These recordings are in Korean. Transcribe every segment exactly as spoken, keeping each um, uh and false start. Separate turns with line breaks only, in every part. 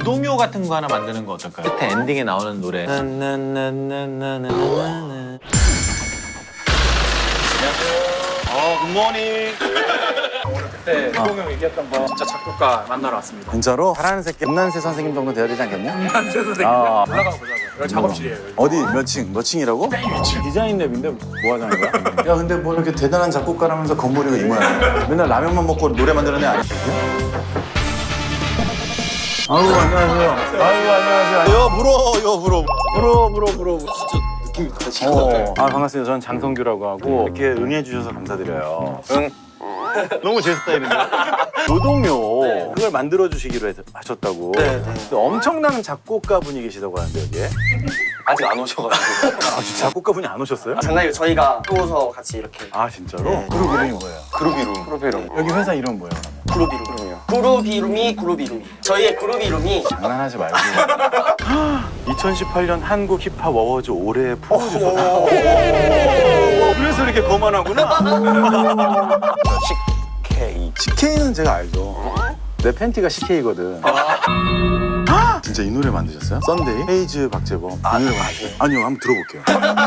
노동요 같은 거 하나 만드는 거 어떨까요? 끝에 엔딩에 나오는 노래. 나나나나나나나나.
어, 굿모닝. 오늘 그때 호동 형 얘기했던 거 진짜 작곡가 만나러 왔습니다.
진짜로? 잘하는 새끼 음란세 선생님 정도 돼야 되지 않겠냐?
음란세 선생님.
아.
올라가 보자고요. 여기 작업실이에요. 여기.
어디 몇 층? 몇 층이라고? 디자인 랩인데 뭐 하자는 거야? 야 근데 뭐 이렇게 대단한 작곡가라면서 건물이고 이 모양이야. 맨날 라면만 먹고 노래 만드는 애 아니겠냐? 아이고 안녕하세요. 아이고 안녕하세요. 여 물어 여 물어 물어 물어 물어. 진짜 느낌이 다르시다. 어. 아 반갑습니다. 저는 장성규라고 하고 이렇게 응해주셔서 감사드려요. 응. 너무 제 스타일인데. 노동요 네. 그걸 만들어 주시기로 했, 하셨다고.
네, 네.
엄청난 작곡가 분이 계시다고 하는데 여기에.
아직 안 오셔가지고.
아 진짜 작곡가 분이 안 오셨어요?
아, 장난이에요. 저희가 또서 같이 이렇게.
아 진짜로?
네.
그룹 이름이 뭐예요?
그룹이룸. 그룹이룸.
여기 회사 이름 뭐예요?
그룹이룸이요. 그룹이룸이 그룹이룸이. 저희의 그룹이룸이.
장난하지 말고. 이천십팔 년 한국 힙합 어워즈 올해의 프로듀서. 그래서 이렇게 거만하구나. 씨케이. 씨케이는 제가 알죠. 내 팬티가 씨케이거든. 아! 진짜 이 노래 만드셨어요? 썬데이? 헤이즈 박재범. 아, 이 노래 만드셨어요? 아니요, 한번 들어볼게요.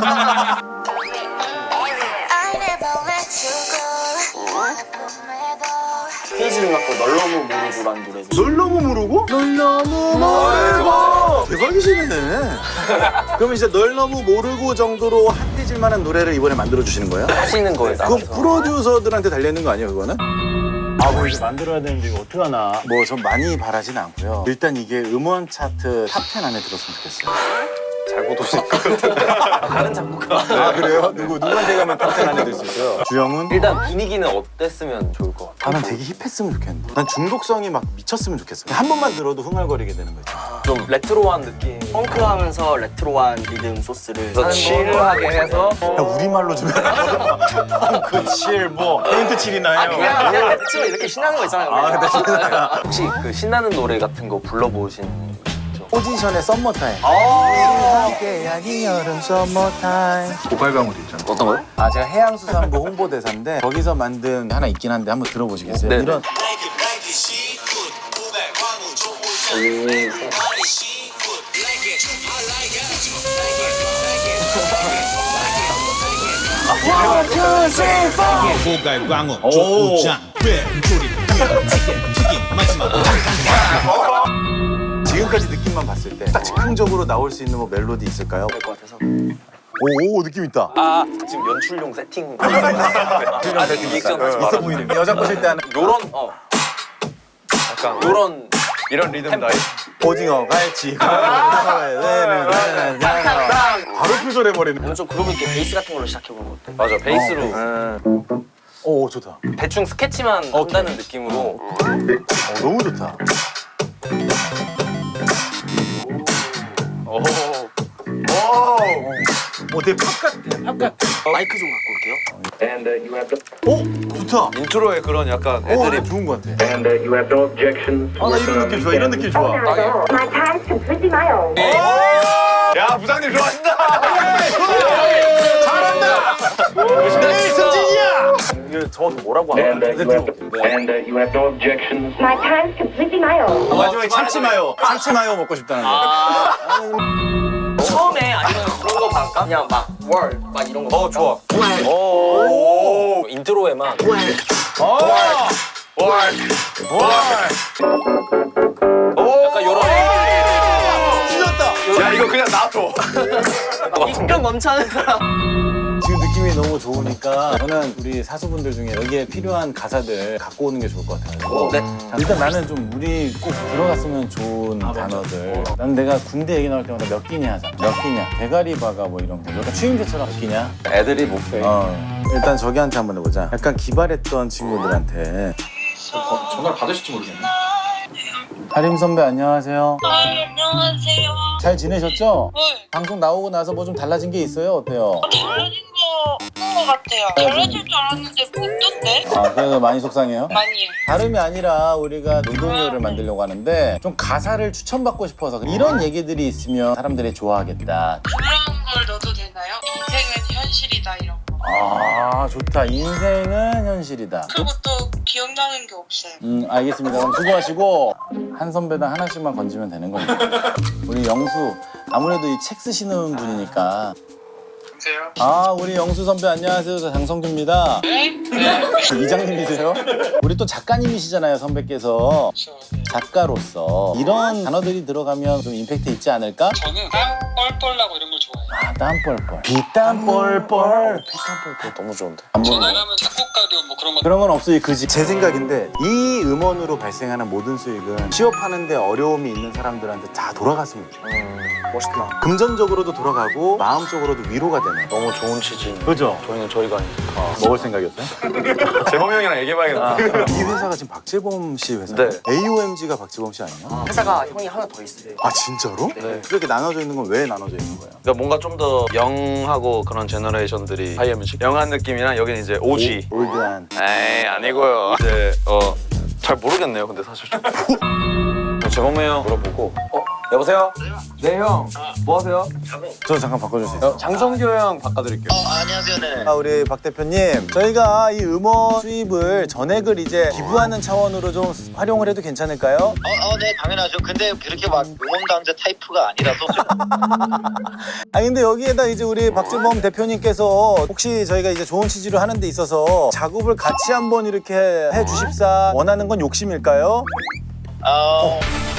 페이지를 갖고 널 너무 모르고라는 노래죠.
널 너무 모르고? 널 너무 모르고. 대박이시네. 그러면 이제 널 너무 모르고 정도로 핫해질 만한 노래를 이번에 만들어 주시는 거예요?
하시는 거에
그럼
따라서.
프로듀서들한테 달려있는 거 아니에요, 그거는? 아, 뭐 이제 만들어야 되는데 이거 어떡하나. 뭐 전 많이 바라진 않고요. 일단 이게 음원 차트 탑 텐 안에 들었으면 좋겠어요.
잘못 오실 것 같은데. 다른 작곡가.
아, 그래요? 누구, 누구한테 가면 탑 텐 안에 들 수 있어요? 주영훈?
일단 분위기는 어땠으면 좋을 것 같아요.
아, 난 되게 힙했으면 좋겠는데. 난 중독성이 막 미쳤으면 좋겠어. 한 번만 들어도 흥얼거리게 되는 거지.
좀 레트로한 느낌. 펑크하면서 레트로한 리듬 소스를 칠하게 해서.
야, 우리말로 좀 해라. 그 칠, 뭐, 페인트 칠이 나요.
그냥 그냥 대충 이렇게 신나는 거 있잖아요.
아, 근데 신나요.
혹시 그 신나는 노래 같은 거 불러보신
포지션의 썸머타임.
아
함께하기 여름 썸머타임.
고갈강우도 있잖아.
어떤 거요?
아, 제가 해양수산부 홍보대사인데 거기서 만든 하나 있긴 한데 한번 들어보시겠어요?
네.
이런
고갈광어, 족구장, 꽤, 조림, 튀김, 튀김, 마지막
지금까지 느낌만 봤을 때 딱 즉흥적으로 나올 수 있는 뭐 멜로디 있을까요?
될 것 같아서.
오, 오 느낌 있다.
아 지금 연출용 세팅. 아직 리액션 하지
있어 보이네. 여자 꼬실 때 하는
요런 어 약간 요런
이런 리듬 나이.
오징어 갈치. 바로 표절해버리네.
오늘 좀 그룹 있게 베이스 같은 걸로 시작해보는 거 어때? 맞아 베이스로.
오, 좋다.
대충 스케치만 한다는 느낌으로.
어, 너무 좋다.
오.
오, 되게 팝 같아. 팝 같아.
마이크 좀 갖고 올게요.
오, 좋다.
인트로에 그런 약간
오,
애드립.
좋은 것 같아.
And uh, you have no objections.
아, 나 이런 느낌 좋아. 이런 느낌 좋아.
My time is completely my own.
야, 부장님 좋아하신다.
네, 승진이야.
이거 정확히 뭐라고
And
하나?
uh, you have and uh, you have no objections. My time is completely my own.
마지막에 참치 마요. 참치 마요 먹고 싶다는 거.
처음에 아니면 그런 거 갈까? 그냥 막 월 막 이런 거.
어, 좋아.
오. 오. 인트로에만.
어. 월.
약간 요런.
찢었다.
야, 이거 그냥 놔둬.
입병 넘쳐하는 사람.
지금 느낌이 너무 좋으니까 저는 우리 사수분들 중에 여기에 필요한 가사들 갖고 오는 게 좋을 것 같아요.
네.
일단 나는 좀 우리 꼭 들어갔으면 좋은 단어들. 난 내가 군대 얘기 나올 때마다 몇 끼냐 하잖아. 몇 끼냐. 대가리 바가 뭐 이런 거. 약간 추임새처럼 몇 끼냐.
애들이 목표.
어. 일단 저기한테 한번 해보자. 약간 기발했던 친구들한테.
전화를 받으실지 모르겠네.
하림 선배 안녕하세요.
아, 안녕하세요.
잘 지내셨죠?
네,
방송 나오고 나서 뭐 좀 달라진 게 있어요? 어때요?
달라진 거 없는 것 같아요. 달라질 줄 알았는데 뭐 없던데?
아, 그래서 많이 속상해요?
많이.
다름이 아니라 우리가 노동요를 만들려고 하는데 좀 가사를 추천받고 싶어서 이런 얘기들이 있으면 사람들이 좋아하겠다.
그런 걸 넣어도 되나요? 인생은 현실이다 이런 거.
아 좋다. 인생은 현실이다.
그리고 또 기억나는 게 없어요.
음 알겠습니다. 그럼 수고하시고 한 선배당 하나씩만 건지면 되는 겁니다. 우리 영수 아무래도 이 책 쓰시는 분이니까.
여보세요?
아 우리 영수 선배 안녕하세요. 저 장성규입니다. 이장님이세요? 우리 또 작가님이시잖아요 선배께서. 작가로서 이런 단어들이 들어가면 좀 임팩트 있지 않을까?
저는 땀 뻘뻘 나고 이런 걸 좋아해요.
아 땀 뻘뻘 피땀 뻘뻘 피땀 뻘뻘
너무 좋은데.
안 보는 거.
전화하면 작곡가료 뭐 그런 거
그런 건 없어요. 그지. 제 생각인데 이 음원으로 발생하는 모든 수익은 취업하는데 어려움이 있는 사람들한테 다 돌아갔으면 좋겠어요.
멋있다.
금전적으로도 돌아가고 마음적으로도 위로가 되는.
너무 좋은 취지.
그죠?
저희는 저희가 아니니까.
먹을 생각이었어요?
재범 형이랑 얘기해봐야겠다.
이 회사가 지금 박재범 씨 회사.
네.
에이오엠지가 박재범 씨 아니야?
회사가 형이 하나 더 있어요.
아 진짜로?
네.
그렇게 나눠져 있는 건 왜 나눠져 있는 거예요?
그러니까 뭔가 좀 더 영하고 그런 제너레이션들이 하이어뮤직 영한 느낌이랑 여기는 이제 오지.
올드한.
에이 아니고요. 이제 어 잘 모르겠네요. 근데 사실 좀. 재범이 형 물어보고.
어 여보세요? 네 형. 뭐 하세요?
저 잠깐 바꿔줄 수 있어요?
장성규 형 바꿔드릴게요.
아, 우리 박 대표님, 저희가 이 음원 수입을 전액을 이제 기부하는 차원으로 좀 활용을 해도 괜찮을까요?
어, 어, 네, 당연하죠. 근데 그렇게 막 응원단체 타이프가 아니라서 좀
아 근데 여기에다 이제 우리 박재범 대표님께서 혹시 저희가 이제 좋은 취지로 하는 데 있어서 작업을 같이 한번 이렇게 해 주십사 원하는 건 욕심일까요?
어,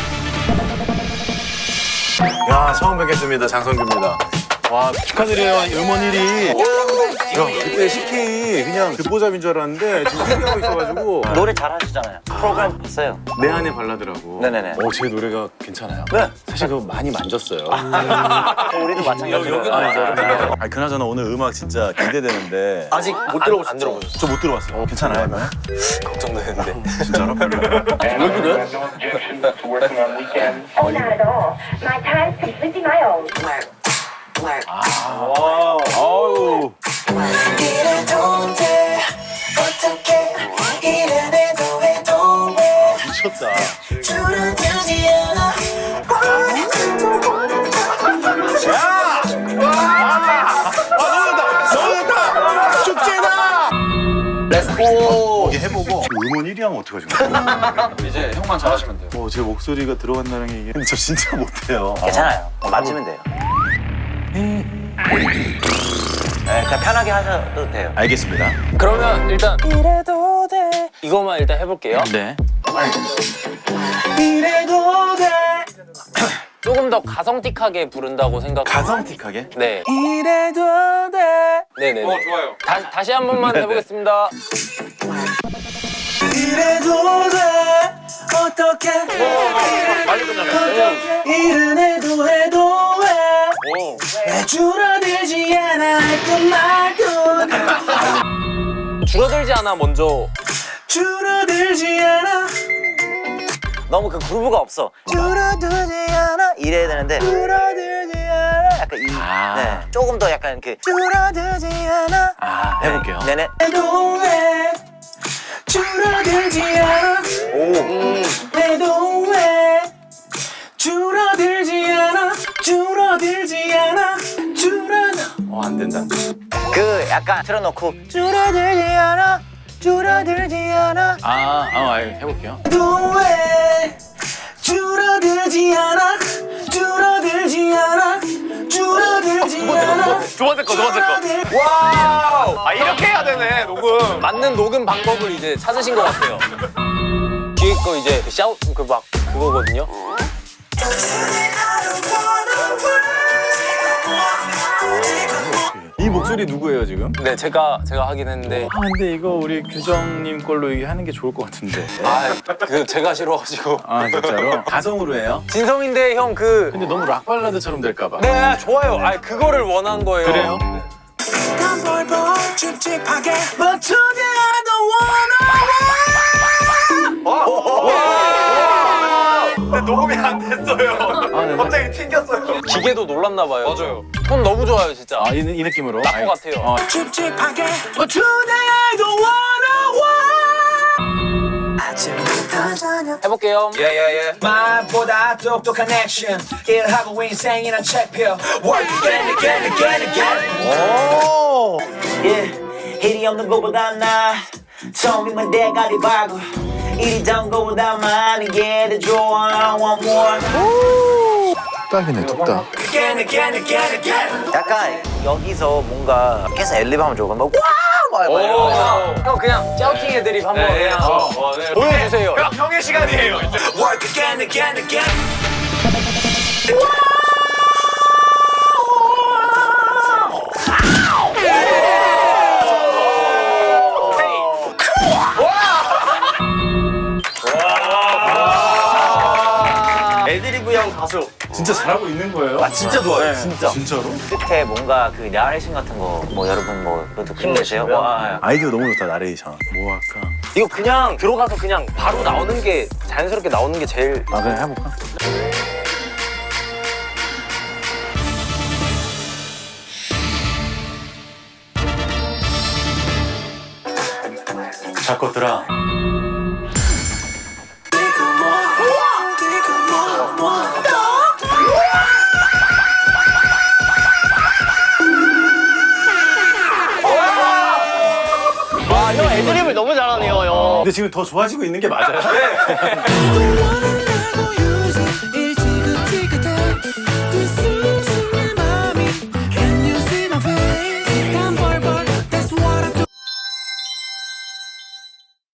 야 처음 뵙겠습니다. 장성규입니다. 와 축하드려요. 음원 일 위. 야 그때 씨케이 그냥 듣보잡인 줄 알았는데 지금 일 위 하고 있어가지고
노래 잘하시잖아요. 프로그램 봤어요.
내 안에 발라드라고.
네네네.
어, 제 노래가 괜찮아요.
네.
사실 그거 많이 만졌어요.
우리도 마찬가지로.
아, 진짜요? 아, 그나저나 오늘 음악 진짜 기대되는데
아직 못 들어보셨죠? 안 들어보셨죠?
저 못 들어봤어요. 괜찮아요?
걱정되는데.
진짜로?
And I have no objections to working on weekends.
Oh, not at all. My time's completely my own.
아우. 미쳤다.
렛츠고.
이게 해보고 음원 일 위 하면 어떡하지?
이제 형만 잘하시면 돼요.
어, 제 목소리가 들어간다는 게 이게 근데 저 진짜 못해요.
괜찮아요. 맞추면 돼요. 네, 그냥 편하게 하셔도 돼요.
알겠습니다.
그러면 일단 이래도 돼. 이것만 일단 해볼게요.
네.
이래도 돼. 조금 더 가성틱하게 부른다고 생각.
가성틱하게?
네. 이래도 돼. 네네.
어 좋아요.
다, 다시 한 번만
네네.
해보겠습니다.
이래도 돼 어떻게 일은 해도 해도 왜 줄어들지 않아 했던 말도
줄어들지 않아 먼저.
줄어들지 않아
너무 그 그루브가 없어.
줄어들지 않아
이래야 되는데
줄어들지 않아
약간 이.
아.
네. 조금 더 약간 그.
줄어들지 않아
아, 해볼게요.
네네.
해도 왜 줄어들지 않아 해도 왜 줄어들지 않아 줄어들지 않아 줄어들
어, 안 된다.
그 약간 틀어놓고.
줄어들지 않아 줄어들지 않아
아, 아, 알- 해볼게요.
해도 왜 줄어들지 않아 줄어들지 않아 줄어들지 않아
두 번째 거, 두 번째 거.
와우.
아 이렇게 해야 되네 녹음.
맞는 녹음 방법을 이제 찾으신 것 같아요. 뒤에 거 이제 샤우 그 막 그거거든요.
이 목소리 누구예요, 지금?
네, 제가 제가 하긴 했는데.
아, 근데 이거 우리 규정님 걸로 이게 하는 게 좋을 것 같은데.
아, 그 제가 싫어가지고.
아, 진짜로? 가성으로 해요?
진성인데 형 그.
근데 너무 락 발라드처럼 될까봐.
네, 좋아요. 아, 그거를 원한 거예요.
그래요?
찝찝하게 But today I don't wanna
근데 녹음이 안 됐어요.
아, 네네.
갑자기 튕겼어요.
기계도 놀랐나 봐요.
맞아요.
톤 너무 좋아요, 진짜.
아, 이, 이 느낌으로?
딱 것 같아요.
어,
찝찝하게 But today I don't wanna
해볼게요.
예예예.
말보다 똑똑한 액션 일하고 인생이란 책표 Work again again again again
오.
yeah. 일이 없는 것보다 나 처음이면 대가리 발굴 일이 단 것보다 많은 게 더 좋아 I want more
뚝딱이네 뚝딱.
Again again again again
약간 여기서 뭔가 계속 엘리베이터만 조금 막 와우 막 이러면서 형 그냥 짜우팅 애들이 한번
네,
그냥
어, 어, 네.
보여주세요.
형, 형의 시간이에요.
Work again again again
애드리브형 가수.
진짜 잘하고 있는 거예요?
아 진짜 좋아요. 진짜.
진짜로?
끝에 뭔가 그 나레이션 같은 거 뭐 여러분 뭐 그것도 힘내세요. 와.
아이디어 너무 좋다 나레이션. 뭐 할까?
이거 그냥 들어가서 그냥 바로 나오는 게 자연스럽게 나오는 게 제일
아 그냥 해볼까? 작곡들아.
와, 형 애드립을 너무 잘하네요, 형.
근데 지금 더 좋아지고 있는 게 맞아요?